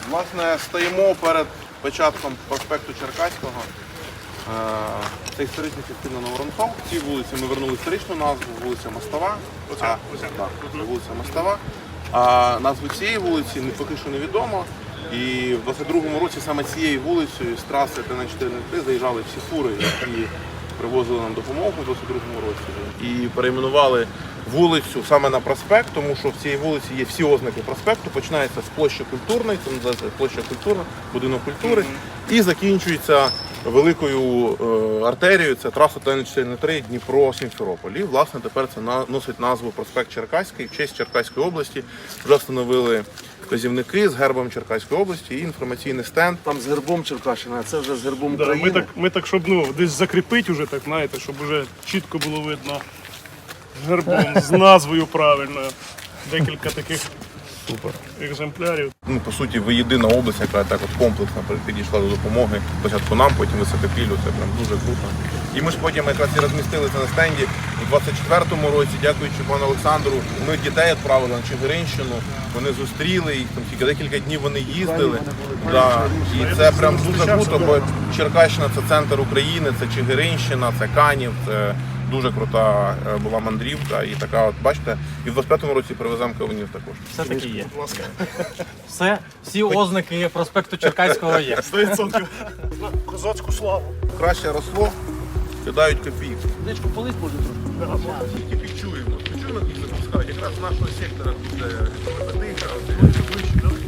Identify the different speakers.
Speaker 1: Власне, стоїмо перед початком проспекту Черкаського. Це історична частина Новоронцов. Ці вулиці ми вернули історичну назву, вулиця Мостова. Так, вулиця Мостова. А назву цієї вулиці поки що невідомо. І в 22-му році саме цією вулицею з траси ТН-403 заїжджали всі фури, які привозили нам допомогу в 22-му році. І перейменували вулицю саме на проспект, тому що в цій вулиці є всі ознаки проспекту. Починається з площі Культурної, це називається площа Культурна, будинок культури, і закінчується великою артерією, це траса ТН-403 Дніпро-Сімферополь. І, власне, тепер це носить назву проспект Черкаський, в честь Черкаської області. Вже встановили вказівники з гербом Черкаської області і інформаційний стенд.
Speaker 2: Там з гербом Черкащина, а це вже з гербом України.
Speaker 3: Ми так, щоб десь закріпити вже, так, знаєте, щоб вже чітко було видно гербом з назвою правильною. Декілька таких екземплярів.
Speaker 1: По суті, ви єдина область, яка так от комплексно підійшла до допомоги. Спочатку нам, потім Високопіллю. Це прям дуже круто. І ми ж потім якраз і розмістили це на стенді у 24-му році, дякуючи пану Олександру. Ми дітей відправили на Чигиринщину, вони зустріли їх, там тільки декілька днів вони їздили. І це прям дуже круто, бо Черкащина – це центр України, це Чигиринщина, це Канів, це дуже крута була мандрівка. І така, от бачите, і в 25-му році привеземо кавунів також.
Speaker 4: Все таки є. Всі ознаки проспекту Черкаського є.
Speaker 3: 100%. Козацьку славу.
Speaker 1: Краще росло, кидають копійки.
Speaker 4: Дечку полить може трошки.
Speaker 1: Тільки підчуємо. Підчуємо, як їх запускають. Якраз з нашого сектора тут ближче.